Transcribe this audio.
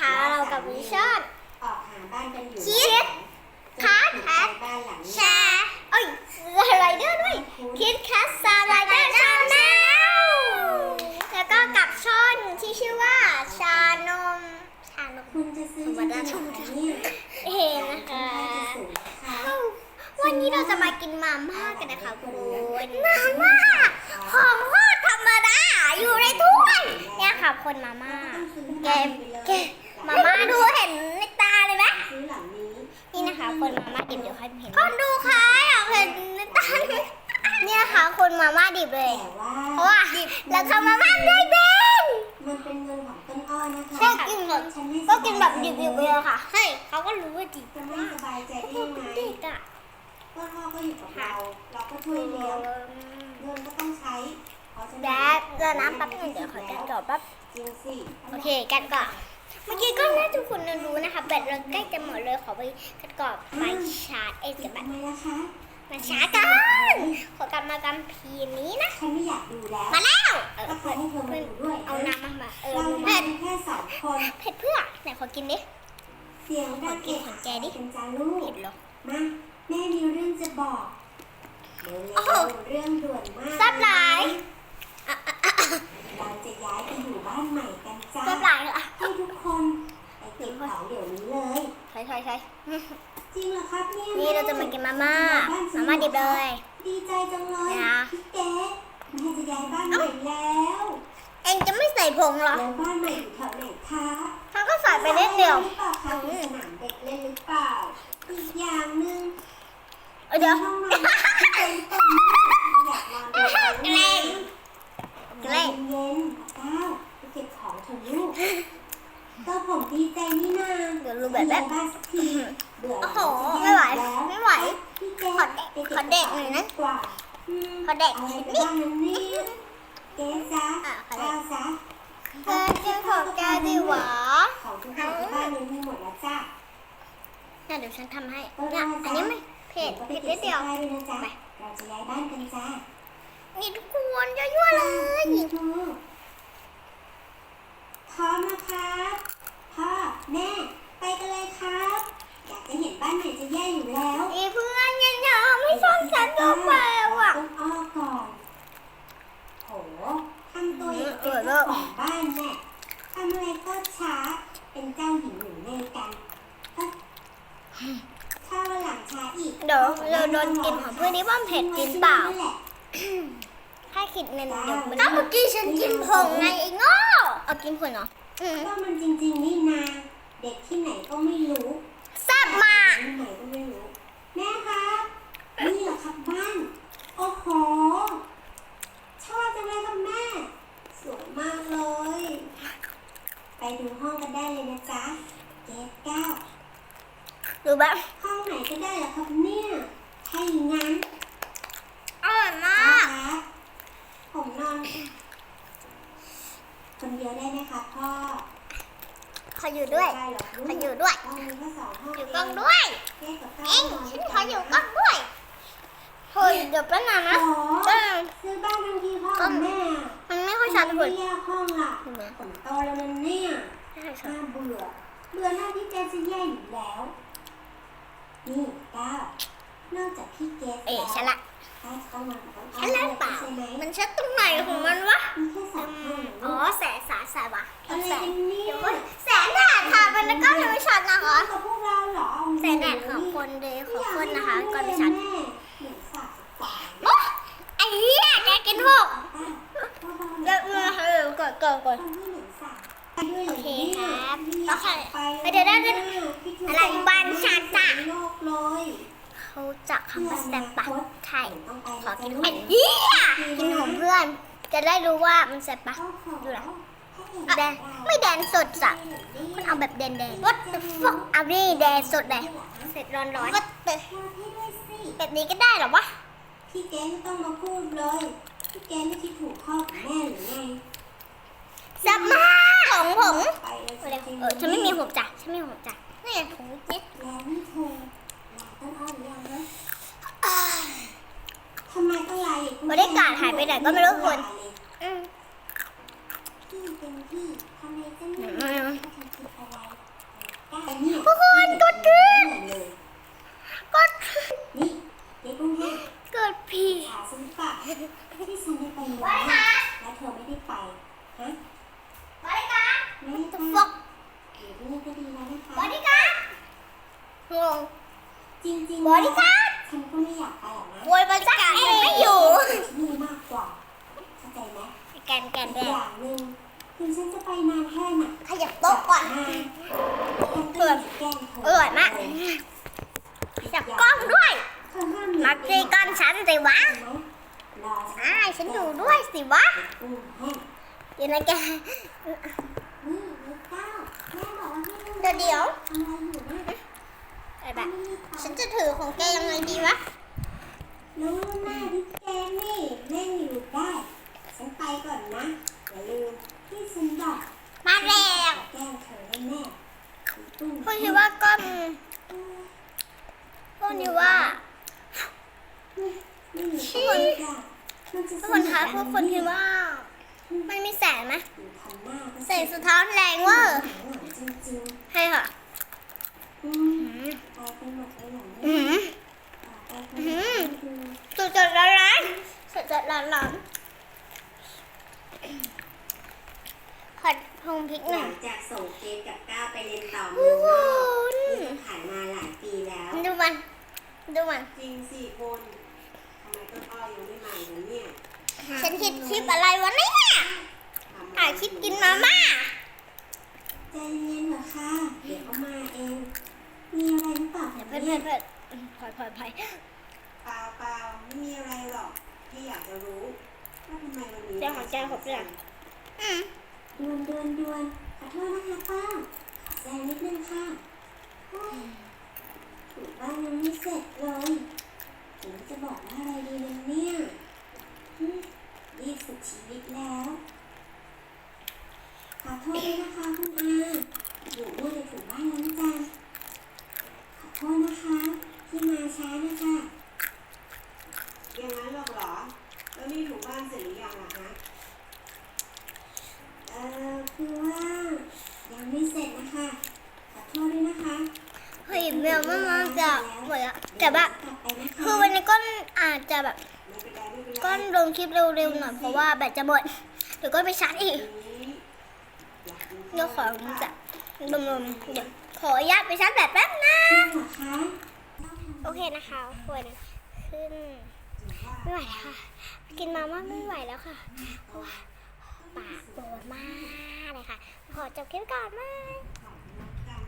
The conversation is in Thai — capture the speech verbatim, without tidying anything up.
นะคะเรากับวิชั่นออกหาบ้านกันอยู่คิดคัทแอดบ้านหลังแชร์เอ้ยไรเดอร์ด้วยคิดคัทซาไรเดอร์ชาแนลแล้วก็กับช่องที่ชื่อว่าชานมชานมคุณจะซื้อธรรมดาชชมมเนี่ยเห็นนะคะวันนี้เราจะมากินมาม่ากันนะคะคุณมาม่าของโคตรธรรมดาอยู่ในถ้วยเนี่ยค่ะคนมาม่าแกแกมาม่าดูเห็นในตาเลยไหมซื้อหลังนี้นี่นะคะคนมาม่าดิบเดี๋ยวให้เห็นคนดูค่ะอยากเห็นในตาเนี่ยค่ะคนมาม่าดิบเลยแต่ว่าเพราะว่าแล้วทำมาม่าได้เป็นมันเป็นเงินของต้นอ้อนะคะก็กินแบบก็กินแบบดิบๆเลยค่ะเฮ้ยเขาก็รู้ว่าดิบจะไม่มากสบายใจได้พวยักงไงเด็กอ่ะต้นอ้อก็อยู่กับเรา เราก็ช่วยเลี้ยงเงินก็ต้องใช้เพราะฉะแดนั้นดเดี๋ยวน้ำแป๊บนึงเดี๋ยวขอกันก่อนแป๊บจริงสิโอเคกันก่อนเมื่อกี้ก็น่าทุกคนรู้นะคะแบตเราใกล้จะหมดเลยขอไปกันก่อนไปชาร์จเองกับแบตทำไมล่ะคะมาชาร์จกันขอกลับมากันพีนี้นะฉันไม่อยากดูแล้วมาแล้วเออก็ขอเพื่อนให้เธอมาเพื่อนดูด้วยเอาน้ำมามาเออเราเผ็ดแค่สองคนเผ็ดเพื่อไหนขอกินดิเสียงดังเอะอะเป็นจาลูกเผ็ดเหรอมาแม่มีเรื่องจะบอกเร็โอ้โหวๆเรื่องด่วนมากแซ่บหลายอ่ะอ่ะอ่ะอ่ะเราจะย้ายไปอยู่บ้านใหม่กันจ้าแซ่บหลายเหรอให้ทุกคนไปเก็บของเดี๋ยวนี้เลยใช่ใช่ใช่จริงเหรอครับเนี่ยนี่เราจะมากินมาม่ามาม่าดิบเลยดีใจจังเลยนะพี่เก๋แม่จะย้ายบ้านใหม่แล้วเองจะไม่ใส่ผงเหรอแล้วบ้านใหม่อยู่แถวไหนคะเขาก็ใส่ไปนิดเดียวหรือเปล่าคะมีสนามเด็กเล่นหรือเปล่าอีกอย่างหนึ่งเออเดี๋ยวห้องนอนที่เป็นต้นไม้อยากนอนในห้องแกล้ง แกล้งเย็นๆก้าวไปเก็บของเถอะลูกก็ผมดีใจนี่นาเดี๋ยวรู้แบบแบบบ้านสักทีเบื่อโอ้โหแล้วไม่ไหวแล้วไม่ไหวพี่แกขอเด็กไปบขอเด็กหน่อยนะกว่าอืมขอเด็กอะไรนิดไปนิดบ้างนั้นเนี่ยเก๊จ๊ะอ่ะขอเด็กก้าวจ๊ะเกินเกินของแกดีหวะของทุกอย่างที่บ้านนี้มีหมดแล้วจ้ะเนี่ยเดี๋ยวฉันทำให้เนี่ยอันนี้ไม่เผ็ดเผ็ดนิดเดียวไปก็บสื้อผ้าด้วยนะจ๊ะไปเราจะย้ายบ้านกันจ้านี่ทุกคนยั่วๆเลยพร้อมนะครับพ่อแม่ไปกันเลยครับ อยากจะเห็นบ้านใหม่จะแย่อยู่แล้วอีเพื่อนยังยอมไม่ชอบฉันก็ไปว่ะต้องอ้อก่อนโหทำตัวอย่างเป็นเจ้าของบ้านแน่ทำอะไรก็ช้าเป็นเจ้าหญิงหนูเล่กันเอ้ยถ้าวันหลังช้าอีกเดี๋ยวเราโดนกินของเพื่อนนี้ว่าเผ็ดจริงเปล่าถ้าคิดเงินเดี๋ยวมันก็เมื่อกี้ฉันกินผงไงไอ้โง่เอากินผงเหรออืมก็มันจริงๆนี่นาเด็กที่ไหนก็ไม่รู้แซ่บมากที่ไหนก็ไม่รู้ แม่ครับนี่เหรอครับบ้าน โอ้โห ชอบจังเลยครับแม่ สวยมากเลย ไปดูห้องกันได้เลยนะจ๊ะเกสเก้าดูแบบห้องไหนก็ได้เหรอครับเนี่ยถ้าอย่างนั้นอร่อยมาพ่อกครับผมนอน คนเดียวได้ไหมครับพ่อขออยู่ด้วยได้หรอกลูกขออยู่ด้วยห้องนี้ก็สองห้องอยู่กล้องด้วยเกสกับเอก้าง นอนฉันขออยู่กล้องด้วยเฮ้ยเดี๋ยวแป๊บนึงนะโอ้เออซื้อบ้านทั้งทีพ่อกับแม่มันไม่ค่อยชัดทำเลไมยไม่แยกห้องล่ะเห็นไหมผมโตแล้วนะเนี่ยไม่ค่อยชัน่าดเบื่อ เบื่อหน้าที่แกจะแย่อยู่แล้ว นี่ก้าวนอกจากพี่เกสเอ๋แล้วฉันละก้าวจะต้องนอนกับน้องฉันละเปล่าใช่ไหมมันชัดตรงไหนของมันวะมีแค่สองห้องอ๋อแสนสาแสนวะอะไรแสนกันเนี่ยเดี๋ยวก่อนแสนแดดค่ะเป็นแล้วก็ยังไม่ชัดนะคะกับพวกเราเหรอแสนแดดของคนเดย์ของคนนะคะก่อนไม่ชัดแม่เหมือนสาบสายโอ๊ะไอ้เหี้ยแกกินหกป้าพ่อเดี๋ยวมาเออก่อนก่อนก่อนคนที่เหมือนสาบไปด้วยหรโอเคครับเนี่ยโอเคไปเดี๋ยวเดี๋ยวเดี๋ยว อะไรบ้านฉันจ้ะโลกเลยเขาจะคำว่าแซมปะไทยต้องไปขอกินนะไอ้จ๊ะเหี้ยกินของเพื่อน จะได้รู้ว่ามันแซมปะ ดูนะ แดงไม่แดงสดสักคุณเอาแบบแดงแดง What the fuck เอาดิแดงสดเลยเสร็จร้อนร้อนก็เตะมาให้ด้วยสิแบบนี้ก็ได้เหรอวะพี่แกไม่ต้องมาพูดเลย พี่แกไม่คิดถูกพ่อกับแม่หรือไงแซ่บมากของผมไปแล้วเออฉันไม่มีผมจ้ะฉันไม่มีผมจ้ะนี่ไงถุงนิดแล้วนี่เธอลาต้นอ้อหรือยังนะทำไมต้องลาอีกบริการหายไปไหนก็ไม่รู้คุณอืมพี่เป็นพี่ทำไมจะไม่อืมถ้าเธอคิดอะไรแกนแกนอีแกกอน ย่างหนึ่งถึงฉันจะไปนานแค่ไหนขยับโต๊ะก่อนเปิดแกล้งเธอร่อยมากจับกล้องด้วยเธอห้ามหนีมาตีก้อนฉันสิวะรอฉันอ่าฉันอยู่ด้วยสิวะอืมแห้งเดี๋ยวนะแกนี่นิดเก้าแม่บอกว่าให้ดูเดี๋ยวเดี๋ยวทำอะไรอยู่นะไอ้แบบฉันจะถือของแกยังไงดีวะน้องหน้าดิแกนี่แม่อยู่ได้ ฉันไปก่อนนะ อย่าลืมที่ฉันบอกมาแล้วแกล้งเธอแน่ๆตุ้มพูดคิดว่าก้อนพูดคิดว่าไม่มีชี้คนจ้ะมันจะทุกคนคะทุกคนคิดว่ามันมีแสงไหมอยู่ทำหน้าก็แสงสะท้อนแรงเวอร์จริงใช่ค่ะๆอืมไปกันหมดเลยเหรออืเนี่ยมไปกันหมดเลยดูสดสดร้อนร้อนสดสดร้อนร้อนขอพงพริกหหน่ลัอยงจากส่งเกมกับก้าวไปเรียนต่อเมืโอ้องโหนอกนี่ก็ผ่านมาหลายปีแล้วดูมัน ดูมันจริงสิคุณทำไมต้นอ้อยังไม่มาอีกเนี่ยฉันคิดคลิปอะไรวะเนี่ยถ่ายคลิปกินมาม่าใจเย็นๆเหรอคะเดี๋ยวเขามาเอง มีอะไรหรือเปล่าคะเพื่อนเนี่เพื่อย นเพื่อนพลอยพลอยพลอยเปล่าเปล่าไม่มีอะไรหรอกที่อยากจะรู้ว่าทำไมวันนี้เจ้าของแก้วผมเลยอืมดวนดวนดวนขอโทษนะคะป้าขอแซงนิดนึงค่ะโอ้ยถูบ้านยังไม่เสร็จเลยผมจะบอกว่าอะไรดีนะเนี่ยฮึรีบสุดชีวิตแล้ว ขอโทษด้วยนะคะคุณอาอยู่มืดเลยถึงบ้านล้างจานขอโทษนะคะที่มาช้านะคะอย่างนั้นหรอกเหรอ แล้วนี่ถูบ้านเสร็จหรือยังล่ะฮะเอ่อคือว่ายังไม่เสร็จนะคะ ขอโทษด้วยนะคะเฮ้ยเมลมันมันจะหมดละแต่แบบกลับไปนะคะคือวันนี้ก้อนอาจจะแบบไม่เป็นไรไม่เป็นไรก้อนลงคลิปเร็วๆหน่อยเพราะว่าแบตจะหมดเดี๋ยวก็ไปชาร์จอีกนี้อยากกินเดี๋ยวขอจะรวมๆเดี๋ยวขออนุญาตไปชาร์จแบตแป๊บนะจริงเหรอคะโอเคนะคะทุกคนขึ้นไม่ไหวแล้วค่ะ กินมาม่าไม่ไหวแล้วค่ะเพราะว่าปากปวดมากเลยค่ะ ขอจบคลิปก่อนไหมข